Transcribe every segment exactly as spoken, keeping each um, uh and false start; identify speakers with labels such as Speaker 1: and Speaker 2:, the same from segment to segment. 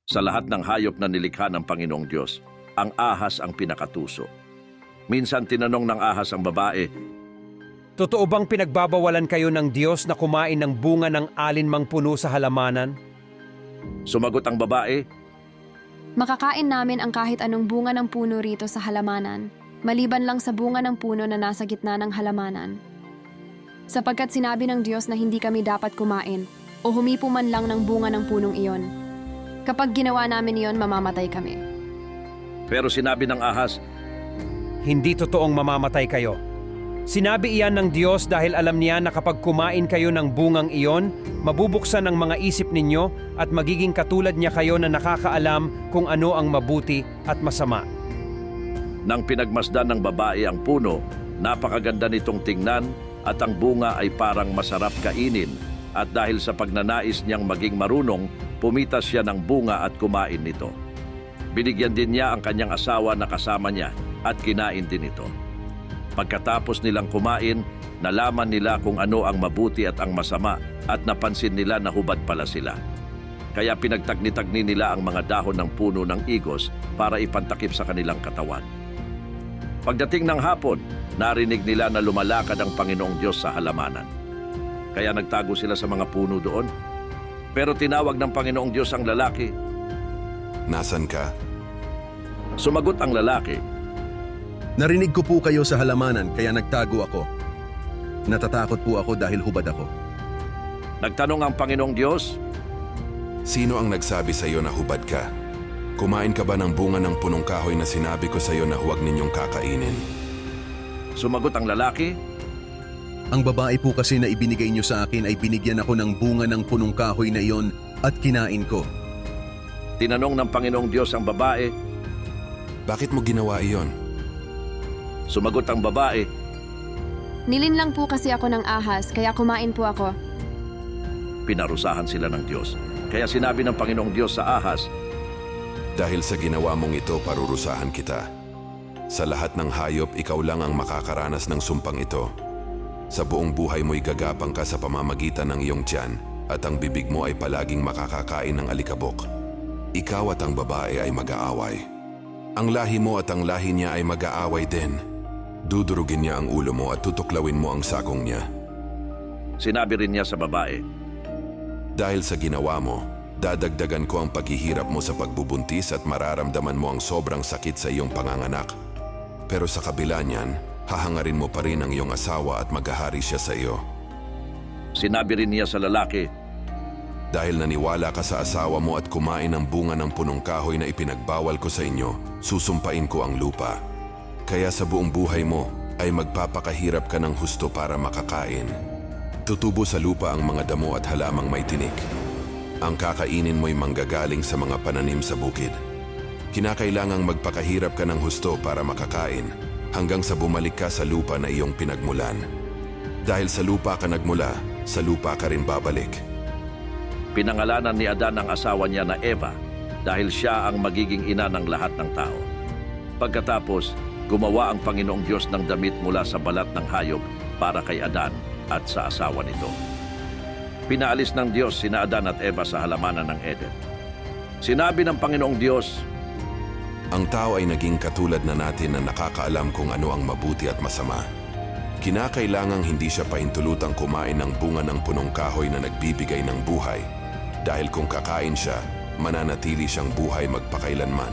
Speaker 1: Sa lahat ng hayop na nilikha ng Panginoong Diyos, ang ahas ang pinakatuso. Minsan tinanong ng ahas ang babae,
Speaker 2: Totoo bang pinagbabawalan kayo ng Diyos na kumain ng bunga ng alinmang puno sa halamanan?
Speaker 1: sumagot ang babae,
Speaker 3: Makakain namin ang kahit anong bunga ng puno rito sa halamanan, maliban lang sa bunga ng puno na nasa gitna ng halamanan. Sapagkat sinabi ng Diyos na hindi kami dapat kumain o humipo man lang ng bunga ng punong iyon. Kapag ginawa namin iyon, mamamatay kami.
Speaker 1: pero sinabi ng ahas,
Speaker 2: Hindi totoong mamamatay kayo. Sinabi iyan ng Diyos dahil alam niya na kapag kumain kayo ng bungang iyon, mabubuksan ang mga isip ninyo at magiging katulad niya kayo na nakakaalam kung ano ang mabuti at masama.
Speaker 1: nang pinagmasdan ng babae ang puno, napakaganda nitong tingnan at ang bunga ay parang masarap kainin at dahil sa pagnanais niyang maging marunong, pumitas siya ng bunga at kumain nito. Binigyan din niya ang kanyang asawa na kasama niya at kinain din ito. Pagkatapos nilang kumain, nalaman nila kung ano ang mabuti at ang masama at napansin nila na hubad pala sila. Kaya pinagtagni-tagni nila ang mga dahon ng puno ng igos para ipantakip sa kanilang katawan. Pagdating ng hapon, narinig nila na lumalakad ang Panginoong Diyos sa halamanan. Kaya nagtago sila sa mga puno doon. Pero tinawag ng Panginoong Diyos ang lalaki.
Speaker 4: Nasaan ka?
Speaker 1: Sumagot ang lalaki,
Speaker 5: Narinig ko po kayo sa halamanan kaya nagtago ako. Natatakot po ako dahil hubad ako.
Speaker 1: Nagtanong ang Panginoong Diyos,
Speaker 4: Sino ang nagsabi sa iyo na hubad ka? Kumain ka ba ng bunga ng punong kahoy na sinabi ko sa iyo na huwag ninyong kakainin?
Speaker 1: sumagot ang lalaki,
Speaker 5: Ang babae po kasi na ibinigay niyo sa akin ay binigyan ako ng bunga ng punong kahoy na iyon at kinain ko.
Speaker 1: tinanong ng Panginoong Diyos ang babae,
Speaker 4: Bakit mo ginawa iyon?
Speaker 1: sumagot ang babae,
Speaker 3: Nilinlang po kasi ako ng ahas, kaya kumain po ako.
Speaker 1: pinarusahan sila ng Diyos. Kaya sinabi ng Panginoong Diyos sa ahas,
Speaker 4: Dahil sa ginawa mong ito, parurusahan kita. Sa lahat ng hayop, ikaw lang ang makakaranas ng sumpang ito. Sa buong buhay mo'y gagapang ka sa pamamagitan ng iyong tiyan at ang bibig mo ay palaging makakakain ng alikabok. Ikaw at ang babae ay mag-aaway. Ang lahi mo at ang lahi niya ay mag-aaway din. Dudurugin niya ang ulo mo at tutuklawin mo ang sakong niya.
Speaker 1: sinabi rin niya sa babae,
Speaker 4: Dahil sa ginawa mo, dadagdagan ko ang paghihirap mo sa pagbubuntis at mararamdaman mo ang sobrang sakit sa iyong panganganak. Pero sa kabila niyan, hahangarin mo pa rin ang iyong asawa at maghahari siya sa iyo.
Speaker 1: sinabi rin niya sa lalaki,
Speaker 4: Dahil naniwala ka sa asawa mo at kumain ng bunga ng punong kahoy na ipinagbawal ko sa inyo, susumpain ko ang lupa. Kaya sa buong buhay mo ay magpapakahirap ka ng husto para makakain. Tutubo sa lupa ang mga damo at halamang may tinik. Ang kakainin mo'y manggagaling sa mga pananim sa bukid. Kinakailangang magpakahirap ka ng husto para makakain hanggang sa bumalik ka sa lupa na iyong pinagmulan. Dahil sa lupa ka nagmula, sa lupa ka rin babalik.
Speaker 1: pinangalanan ni Adan ang asawa niya na Eva dahil siya ang magiging ina ng lahat ng tao. Pagkatapos, gumawa ang Panginoong Diyos ng damit mula sa balat ng hayop para kay Adan at sa asawa nito. Pinaalis ng Diyos sina Adan at Eva sa halamanan ng Eden. Sinabi ng Panginoong Diyos,
Speaker 4: Ang tao ay naging katulad na natin na nakakaalam kung ano ang mabuti at masama. Kinakailangang hindi siya pahintulutang kumain ng bunga ng punong kahoy na nagbibigay ng buhay. Dahil kung kakain siya, mananatili siyang buhay magpakailanman.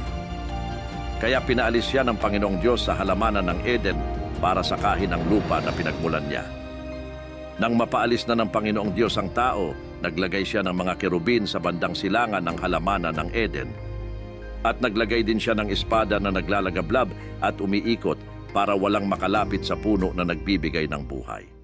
Speaker 1: Kaya pinaalis siya ng Panginoong Diyos sa halamanan ng Eden para sakahin ang lupa na pinagmulan niya. Nang mapaalis na ng Panginoong Diyos ang tao, naglagay siya ng mga kerubin sa bandang silangan ng halamanan ng Eden. At naglagay din siya ng espada na naglalagablab at umiikot para walang makalapit sa puno na nagbibigay ng buhay.